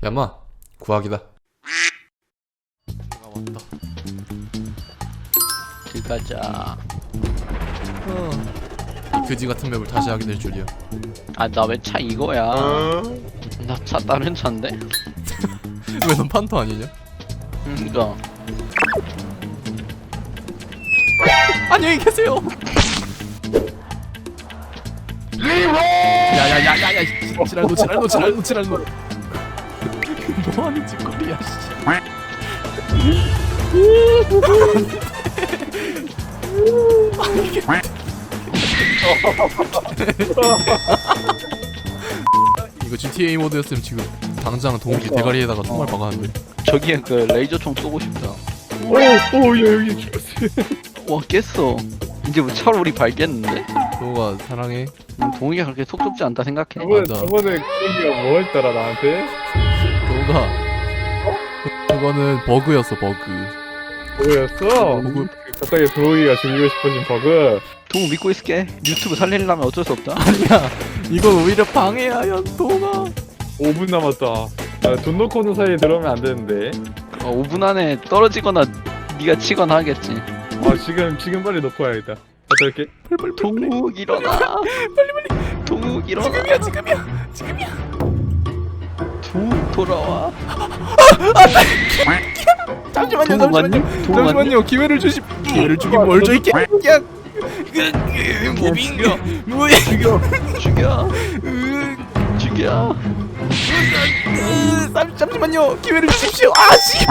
야마 구하기다. 내가 왔다. 길 가자. 이 그지 같은 맵을 다시 하게 될 줄이야. 아 나 왜 차 이거야? 나 차 다른 차인데? 왜 넌 판토 아니냐? 그니까 안녕히 계세요. 야야야야야 지랄노 뭐하는 짓거리야 씨. 이거 GTA 모드였으면 지금 당장 동욱이 대가리에다가 총알 박았는데. 저기에 그 레이저총 쏘고 싶다. 오야 여기 죽었어. 와 깼어. 이제 뭐 차로 우리 발겠는데? 동욱아 사랑해. 동욱이가 그렇게 속 좁지 않다 생각해. 맞아. 저번에 그기가 뭐 했더라 나한테? 동욱아 그거는 버그였어 버그. 뭐였어? 버그. 갑자기 브로이가 죽이고 싶어진 버그. 동욱 믿고 있을게. 유튜브 살리려면 어쩔 수 없다. 아니야 이건 오히려 방해야 연동아. 5분 남았다. 아, 돈 넣고 오는 사이에 들어오면 안 되는데. 5분 안에 떨어지거나 네가 치거나 하겠지. 아 지금 빨리 넣고 와야겠다. 갔다 올게. 동욱 일어나. 빨리. 동욱 일어나. 지금이야. 동욱 돌아와. 잠시만요 기회를 주십. 기회를 주긴 뭘 줘 있게. 무빙 뭐야 죽여. 잠시만요 기회를 주십시오. 아씨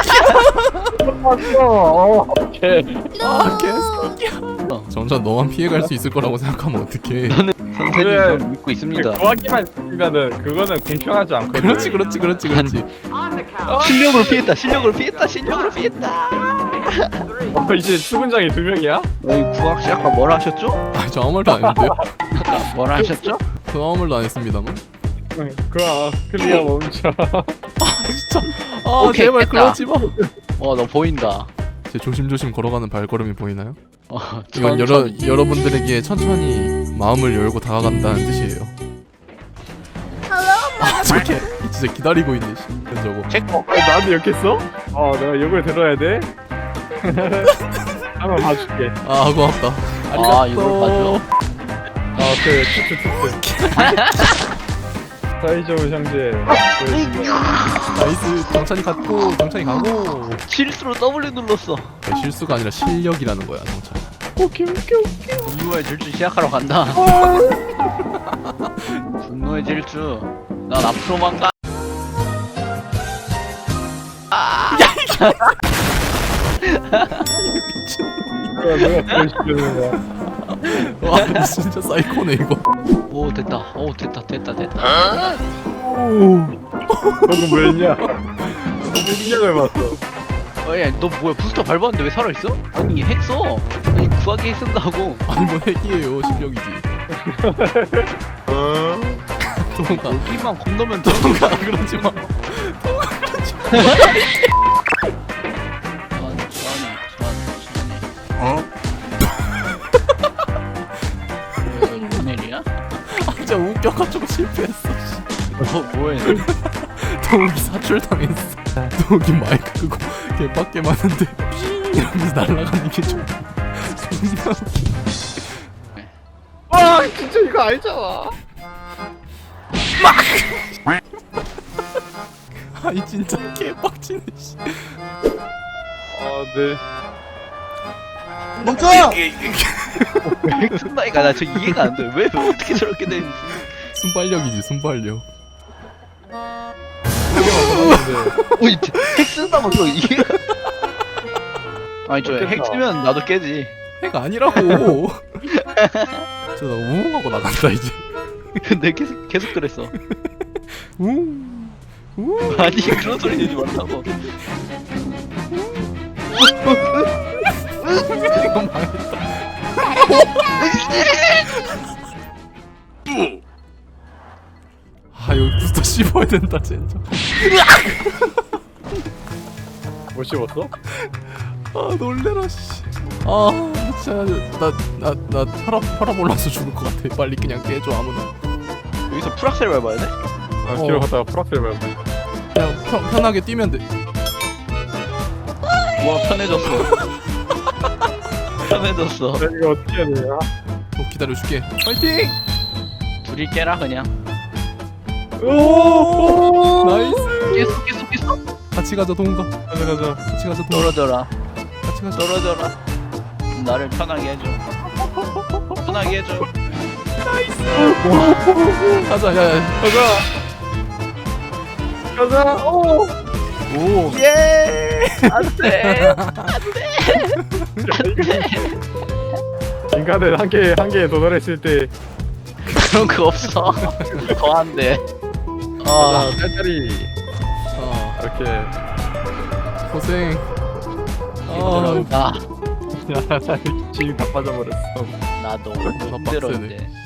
아 개새끼야. 정전 너만 피해갈 수 있을 거라고 생각하면 어떡해. 선생님 그래. 저를 믿고 있습니다. 구하기만 있으면은 그거는 공평하지 않거든. 그렇지 실력으로 피했다. 이제 수군장이 2명이야? 여기 구학 씨 아까 뭐라 하셨죠? 아, 저 아무 말도 안 했는데요? 아까 뭐라 하셨죠? 저 아무 말도 안 했습니다만. 그아 클리어 멈춰. 진짜 아 오케이, 제발 됐다. 그러지 마. 너 보인다. 제 조심조심 걸어가는 발걸음이 보이나요? 이건 천천히. 여러분들에게 천천히 마음을 열고 다가간다는 뜻이에요. 아 저게 진짜 기다리고 있네 씨. 저거 체크. 나도 욕했어? 내가 욕을 들어야 돼? 한번 봐줄게. 아 고맙다. 아, 이걸 봐줘. 그 투투. 사이좋은 형제. 나이스. 정찬이 가고 실수로 W 눌렀어. 실수가 아니라 실력이라는 거야 정찬. 오케이. 분노의 질주 시작하러 간다. 분노의 질주. 난 앞으로만 가. 내가 보여주는 거야. 와 진짜 사이코네 이거. 오 됐다. 방금 뭐 했냐? 시작을 봤어. 야, 너 뭐야 부스터 밟았는데 왜 살아있어? 아니 핵 써. 아니 구하기 핵 쓴다고. 아니 뭐 핵이에요 실력이지. 동가 여기만 건너면 돼. 동가 그러지 마. 무슨 일이야? 진짜 웃겨가지고 실패했어. 뭐해? 동욱이 사출당했어. 동욱이 마이크 끄고 개밖에 많은데 이러면서 날아가는 게 좀 존나 웃겨. 와 진짜 이거 알잖아. 아이 진짜 개빡치네 씨. 네. 멈춰! 핵 쓴다니까 나 저 이해가 안 돼. 왜 어떻게 저렇게 되는지. 순발력이지 순발력. 오이 핵 쓴다고 저 이해가. 아니 저 핵 쓰면 나도 깨지. 핵 아니라고. 저 나 우웅하고 나간다 이제. 근데 계속 그랬어. 우웅. 우웅. 아니 그런 소리 내지 말라고. 이거 망했다. 아 여기 부스터 씹어야 된다 진짜. 못 씹었어? 아 놀래라 씨. 아 진짜 나 혈압 올라서 죽을 것 같아. 빨리 그냥 깨줘 아무나. 여기서 풀악셀 밟아야 돼? 뒤로 갔다가 프락셀 밟아. 그냥 편하게 뛰면 돼. 우와 편해졌어. 편해졌어. 이거 어떻게 해야 돼요? 기다려줄게. 파이팅! 둘이 깨라 그냥. 오! 나이스. 깼어. 같이 가자 동훈아. 가자 가자. 같이 가자 동훈아. 떨어져라. 같이 가자. 떨어져라. 나를 편하게 해줘. 편하게 해줘. 가자. 야야. 가자. 가자. 오. 오. 예. 안돼. 인간은 한계에 도달했을 때 그런 거 없어. 더 안 돼. 아, 딸딸이 아 이렇게 고생. 나 지금 다 빠져버렸어. 나도 빡세네. 힘들어 이제.